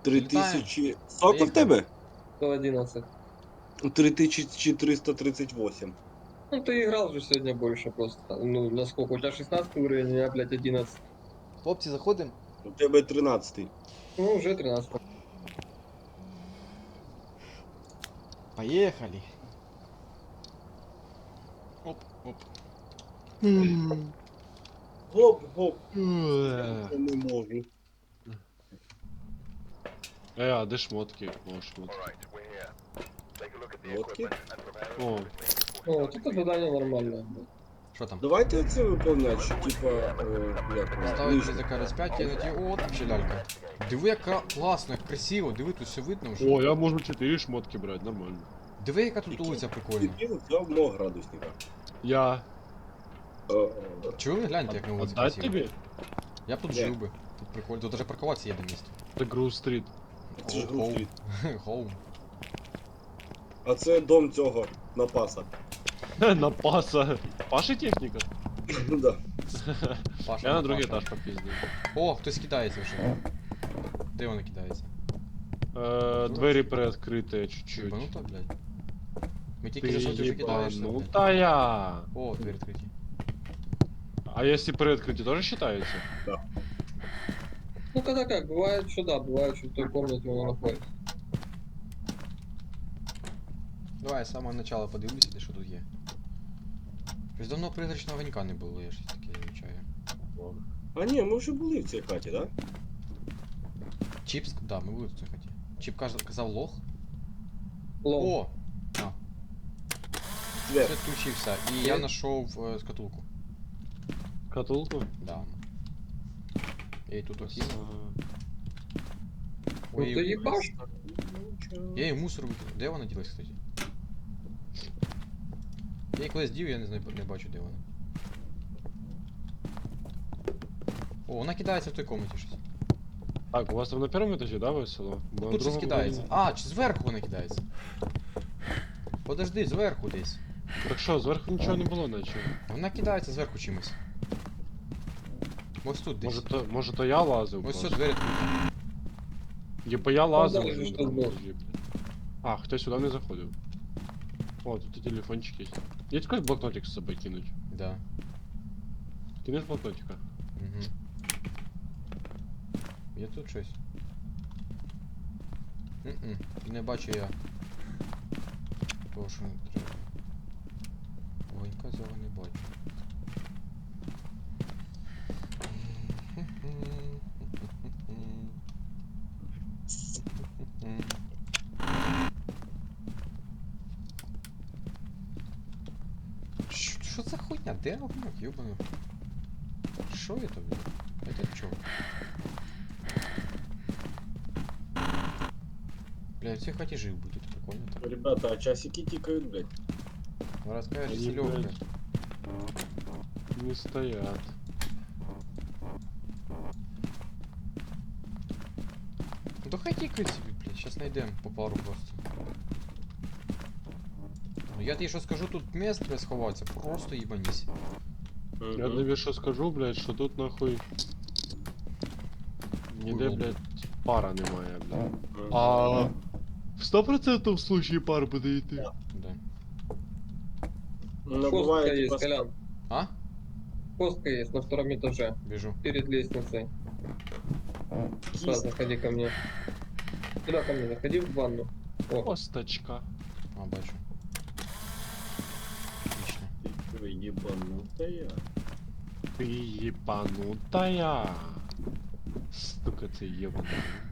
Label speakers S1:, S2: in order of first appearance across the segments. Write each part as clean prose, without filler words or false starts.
S1: 3000... Сколько в тебе?
S2: 111.
S1: 3438.
S2: Ну, ты играл же сегодня больше просто. Ну, насколько? У тебя 16 уровень, у меня, блядь, 11.
S3: Хлопці, заходимо.
S1: У тебе 13.
S2: Ну, уже 13.
S3: Поїхали. Оп, оп.
S1: Гоп-гоп.
S3: Уе.
S1: Я не можу.
S4: А де шмотки? О, шмотки.
S1: Лодки?
S4: О,
S2: Ну, вот это задание нормальное. блядь.
S3: Що там?
S1: Давайте це виконувати, що типа... як воно,
S3: Ставить
S1: нижнє.
S3: язика розп'яття на ті. О, там ще лялька. Диви, яка класно, як красиво. Диви, тут все видно вже.
S4: о, я можу 4 шмотки брати, нормально.
S3: Диви, яка тут вулиця прикольна.
S1: Дебіл взяв мого градусника.
S4: Я
S3: Чули? Гляньте, як на вулиці
S4: отдать
S3: красиво.
S4: тобі?
S3: Я б тут
S1: Де?
S3: жив би. Тут прикольно. Тут даже паркуватися є на місці.
S4: Це Грув стріт.
S1: Це ж Грув-стріт.
S3: Хоум.
S1: А це дом цього напаса.
S4: На паса. Паши техніка?
S1: Ну да.
S3: Паша,
S4: Я на другий
S3: Паша.
S4: етаж попіздив.
S3: О, хтось кидається вже. Де вони кидається?
S4: Двері приоткриті чуть-чуть.
S3: Ебануто, блядь. Ми тільки зайшли, ти вже кидаєшся, блядь.
S4: Ебанутая.
S3: О, двері відкриті.
S4: А если приоткрытие тоже считается?
S2: Ну, когда как, бывает, что да, бывает, что в той комнате он находится.
S3: Давай з самого начала подивлюся, де що тут є. Щось давно призрачного огонька не було, я щось таке вивчаю.
S1: А ні, ми вже були в цій хаті, да?
S3: Чіпс, да, ми були в цій хаті. Чіп казав лох.
S2: Лом.
S3: О! А,
S1: Двер.
S3: все включився. І я знайшов скатулку.
S4: Катулку?
S3: Да. Я її тут окинув.
S2: Ну, ты ебашь?
S3: Я її в мусор викинув. Де вона ділась, кстати? Я її колись дів, я не знаю, не бачу, де вона. О, вона кидається в той комнаті щось.
S4: Так, у вас там на первом этаже, да, весело? Бо на
S3: Тут щось
S4: другому
S3: кидається.
S4: ні.
S3: А, чи зверху вона кидається? Подожди, зверху десь.
S4: Так що, зверху нічого не було, наче.
S3: Вона кидається зверху чимось. Ось тут десь.
S4: Може то я лазив
S3: Ось
S4: просто.
S3: все, двері відкриті.
S4: Єбо я лазив
S2: далі
S4: вже
S2: ж
S4: на
S2: тут
S4: другому
S2: був.
S4: етажі, блядь. А, хтось сюди не заходив. О, тут і телефончик є. Є якийсь блокнотик з собою кинуть.
S3: Да.
S4: Кинеш блокнотика?
S3: Угу. Є тут щось? Не бачу я. Того, що не треба. Огонька цього не бачу. Що за хуйня? Де огоньок, ёбаный? Що это, блин? Это чё? Бля, в цій хаті жив би, тут прикольно так.
S1: Ребята, а часики тикают, блядь.
S3: Ну розкажеш,
S4: Они,
S3: Серега,
S4: блядь,
S3: блядь.
S4: Не стоят.
S3: Ну то хай тікають собі, блядь, щас знайдемо по пару просто. Ну я тобі що скажу, тут місць треба сховатися, просто їбанісь.
S4: Я тобі що скажу, блядь, що тут нахуй... Ніде,
S3: Хуй
S4: блядь, пара немає, блядь.
S1: А...
S4: В 100% в случае пар буде йти.
S3: Да.
S1: Ну,
S2: Костка
S1: бывает,
S2: есть,
S1: типа,
S2: Колян.
S3: А?
S2: Костка есть на втором этаже,
S3: Біжу.
S2: перед лестницей. Да, заходи ко мне. Сюда ко мне, заходи в ванну. О,
S4: Косточка.
S3: А, бачу. Отлично.
S1: Ты ебанутая.
S4: Ти єбанутая. Сука, це єбана.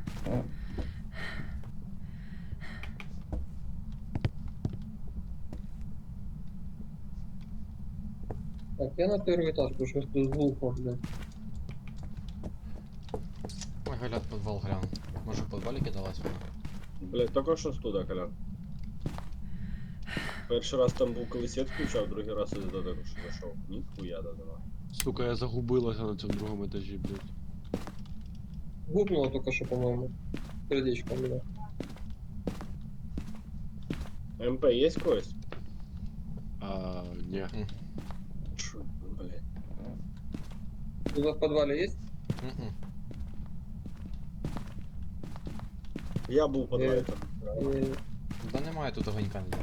S2: так, я на первый этаж, потому что тут глухо, блядь.
S3: Ой, Галя, підвал глянув. Може в підвалі кидалась вона?
S1: Блядь, только що туди, Колян. Перший раз там був, коли світ включав, другий раз я до того, що зайшов. Ніхуя додала.
S4: Сука, я загубилася на цьому другому етажі, блядь.
S2: Гукнуло только что, по-моему. Сердечко у меня.
S1: МП є когось?
S4: Ні.
S1: Чу, блядь.
S2: У вас в подвале есть?
S3: Мгм.
S1: Я був по 2 етапи.
S3: Да немає тут огонька ніде.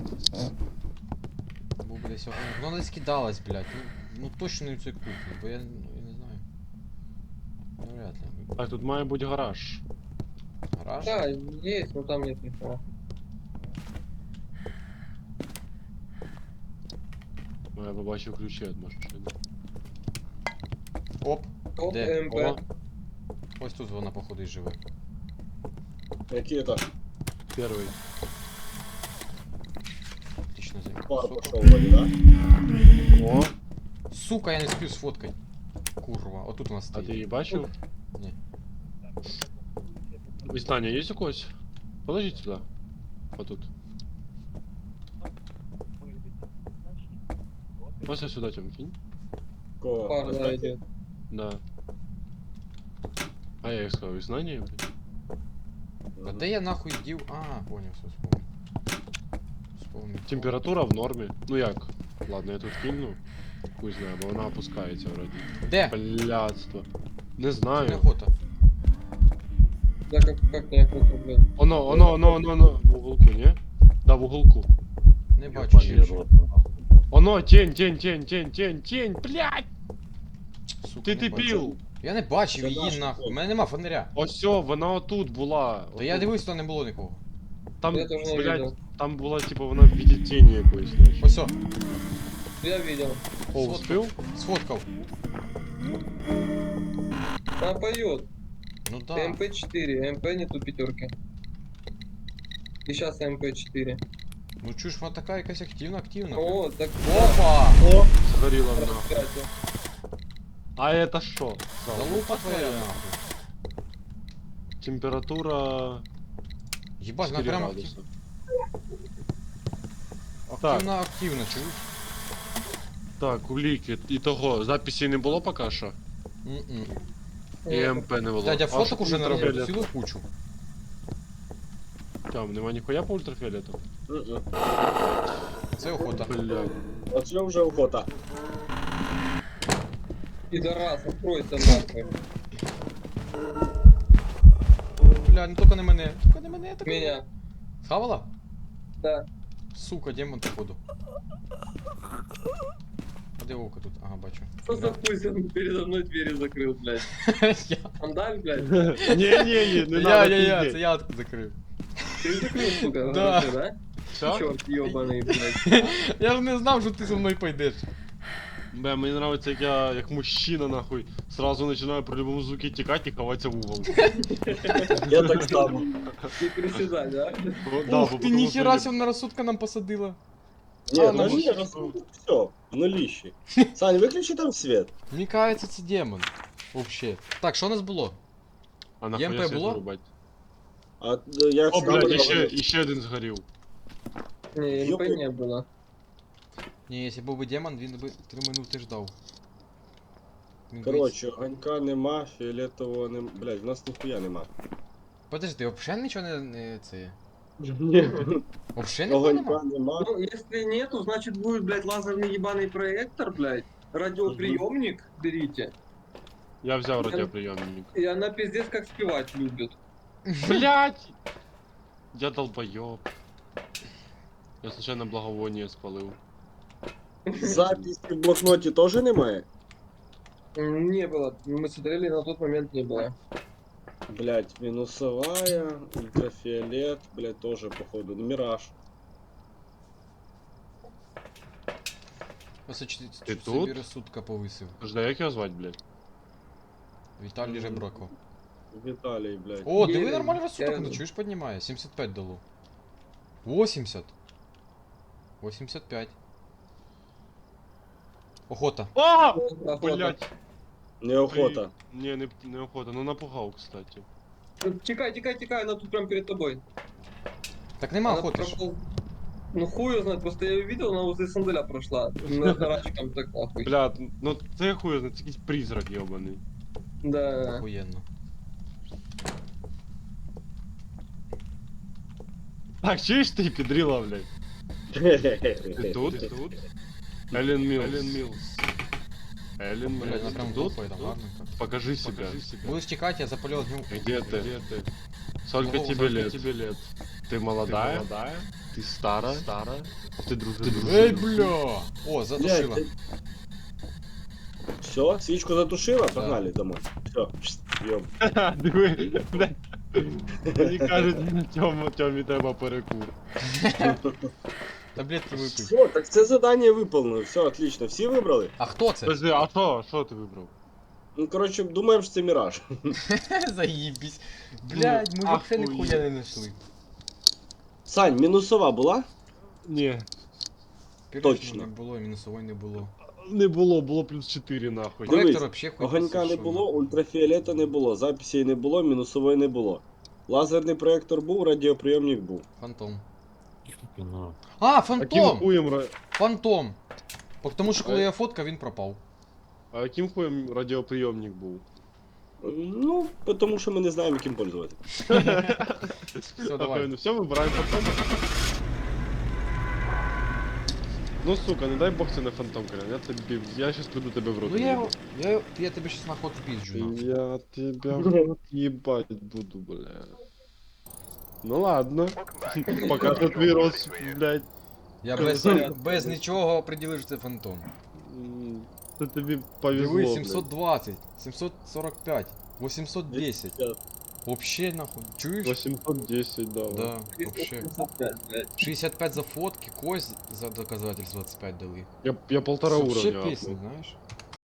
S3: Був би десь огоньок. Ну десь кидалась, блядь. Ну точно не в цій кухні, бо я не знаю. Ну вряд ли.
S4: Так, тут має бути гараж.
S3: Гараж?
S2: Да, есть, но там нет никого.
S4: Ну, я побачив ключі від машини.
S3: Оп.
S2: Топ
S3: Де?
S2: МП.
S4: О,
S3: Ось тут вона походу і живе.
S1: Який етаж?
S4: перший.
S3: Отлично за
S1: Пар
S3: сука.
S1: пошел вроде, да?
S4: О,
S3: Сука, я не спів сфоткать. Курва, отут у нас
S4: а
S3: стоїть.
S4: ти її бачив?
S3: Ні.
S4: Існання є у когось? Положіть сюди. Отут. Ось я сюди тем кинь.
S1: Кого?
S2: Пар, да, идет.
S4: Да. А я їх сказав, існання, блядь.
S3: А де я нахуй дів? А, понял, все вспомнил. Вспомнил.
S4: Температура в нормі. Ну як? Ладно, я тут кину. Хуй знаю, бо вона опускається вроді.
S3: Де?
S4: Блядство. Не
S3: Це
S4: знаю.
S3: неохота.
S2: Да как не охота, блядь.
S4: Оно, в уголку, не? Да, в уголку.
S3: Не бачу ще.
S4: Оно, тень, блядь!
S3: Сука,
S4: Ти
S3: не
S4: ти
S3: бачу.
S4: пів!
S3: Я не бачив
S1: Це
S3: її
S1: наша
S3: нахуй. У
S1: фото.
S3: мене нема фонаря.
S4: Ось все, вона отут була.
S3: Та я
S4: Отут.
S3: дивився, то не було нікого.
S4: Там,
S2: Я тоже не
S4: блядь,
S2: видел.
S4: там була, типу, вона в віді тіні якоїсь, значить.
S3: Ось о,
S2: Я видел.
S4: О, успів?
S3: сфоткав.
S2: Она поет.
S3: Ну да.
S2: МП4, МП нету пятерки. И сейчас МП4.
S3: Ну чуєш, вона така якась активна.
S2: О, так
S3: Опа!
S4: О, згоріла вона.
S2: распятие.
S4: А это що?
S3: Залупа твоя нахуй.
S4: Температура
S3: Єбать, вона
S4: 4
S3: прямо
S4: градуса.
S3: активна, чуєш?
S4: Так, уліки. І того, записі не було поки що.
S3: М-м.
S4: І МП не було.
S3: Дядя
S4: А
S3: фоток
S4: що
S3: уже наробив,
S4: ультрафіолету?
S3: цілу кучу.
S4: Там, нема ніхуя по ультрафіолету?
S1: Мгм.
S3: Це охота.
S4: Блядь.
S1: Оце вже охота.
S2: Пидорас, откройся нахуй.
S3: Бля, не тільки не мене. Тільки не мене, тільки не мене.
S2: Меня.
S3: Схавала?
S2: Да.
S3: Сука, демон походу. А де око тут? Ага, бачу.
S2: Что за хуй он передо мной двери закрыл, блядь?
S3: Я,
S2: Андаль, блядь?
S4: Ні, не
S3: я,
S2: ну,
S3: це я тут закрив.
S2: Ты закрыл, сука,
S3: Да.
S2: хорошо, да?
S4: Все?
S2: Черт ебаный, блядь.
S3: Я ж не знав, що ти зі мною пойдеш.
S4: Бля, мені нравится, як я, як мужчина, нахуй, сразу начинаю при любому звуке тікати і ховатися в угол.
S1: Я так само.
S2: Не приседай, да?
S3: Ух ти, ніхера сі на розсудка нам посадила.
S1: Ні,
S3: А,
S1: ну
S3: ну,
S1: ні, все, нуліще. Сань, виключи там свет.
S3: Мені кажеться, це демон. Вообще. Так, що у нас було?
S4: А нахуя
S3: ЄМП
S4: світ
S3: було?
S4: вирубати?
S1: А я
S4: О,
S1: сам
S4: блядь,
S1: говорю.
S4: іще один згорів.
S2: Не, МП
S1: Ёпта.
S2: не было.
S3: Ні, якщо був би демон, він би 3 минути ждав. Він би-
S1: Коротше, огонька нема, фіолетового нема. Блядь, в нас ніхуя нема.
S3: Подожди, взагалі нічого не це.
S4: Ні.
S3: Взагалі нікого
S1: Огонька
S3: нема?
S1: нема.
S2: Ну, если нету, значит будет, блядь, лазерный ебаный проектор, блядь. Радиоприемник берите.
S4: Я взяв радіоприйомник.
S2: И она пиздец как спевать любит.
S4: Блять! Я долбоёб. Я случайно благовоние спалив.
S1: Записи в блокноті теж немає?
S2: Не было. Мы смотрели, на тот момент не было.
S1: Блять, минусовая, ультрафиолет, блять, тоже походу. Ну, мираж.
S3: Ось
S4: Ти
S3: собі
S4: тут?
S3: розсудка повисив.
S4: Жда, як його звати, блядь?
S3: Віталій Жебрако.
S1: Виталий, блять.
S3: О,
S2: Є,
S3: диви, нормально розсудок,
S2: я-
S3: ну чуєш, піднімає. 75 дало. 80. 85. Охота.
S4: О!
S2: Охота.
S4: Блять!
S1: Неохота.
S4: Не охота, ну напугав, кстати.
S2: Тикай, тикай, тикай, она тут прям перед тобой.
S3: Так нема
S2: Она
S3: охоти ж.
S2: пропол- Ну хуй ее знает, просто я ее видел, она возле сандаля прошла. На рачком так нахуй.
S4: Блядь, ну це хуй, це якийсь призрак йобаний.
S2: Да.
S3: Охуєнно.
S4: Так, чуєш ти, підріла, блядь? Ти тут? Ти тут? Елен Мілс. Елен
S3: Блядь, вона
S4: Мілс,
S3: прям
S4: ти тут?
S3: тупає, там гарненько.
S4: Покажи себя.
S3: Будеш тікати, я запалю огнем.
S4: Где ты? Сколько
S3: Ого,
S4: тебе лет? Ты молодая? Ты стара? Ты дружина?
S3: Эй, бля! О, задушила.
S1: Все, свечку затушила, погнали домой. Все, бьем.
S4: Диви, блядь. Мені кажуть, Тьомі треба перекур.
S3: Таблетки випив.
S1: Все, так це задання виповнено, все, отлично. Всі вибрали?
S3: А хто це?
S4: Подожди, а що ти вибрав?
S1: Ну, коротше, думаємо, що це Міраж.
S3: Заїбісь. Блядь, ми вообще
S4: ахуєть.
S3: ніхуя не знайшли.
S1: Сань, мінусова була?
S4: Ні,
S1: Точно.
S3: Не було, мінусової не було.
S4: не було плюс 4 нахуй.
S1: Дивись,
S3: Проектор вообще хуй
S1: Огонька не
S3: посушив.
S1: було, ультрафіолета не було, записей не було, мінусової не було. Лазерний проєктор був, радіоприйомник був.
S3: Фантом.
S4: А
S3: А,
S4: яким
S3: фантом!
S4: хуєм,
S3: Фантом! Тому що коли я фоткав, він пропав.
S4: а яким хуєм радіоприйомник був?
S1: Ну, тому що ми не знаємо, яким пользувати.
S3: Все, давай.
S4: Все, вибираємо фантом. Ну сука, не дай бог це не фантом, Колян. Я щас приду тебе в рот.
S3: Ну я тебе щас нахуй пизджу, нахуй.
S4: Я тебя в рот ебать буду, бля. Ну ладно. Пока что твій рот, блядь.
S3: Я без нічого определив, що це фантом.
S4: Це тобі повезло,
S3: Диви,
S4: блядь.
S3: 720, 745, 810. Вообще нахуй. Чуєш?
S4: 810, да.
S3: Да, вообще. 65 за фотки, кость за доказательство 25 дали.
S4: Я полтора
S3: Вообще
S4: уровня
S3: песня,
S4: апнул.
S3: знаешь?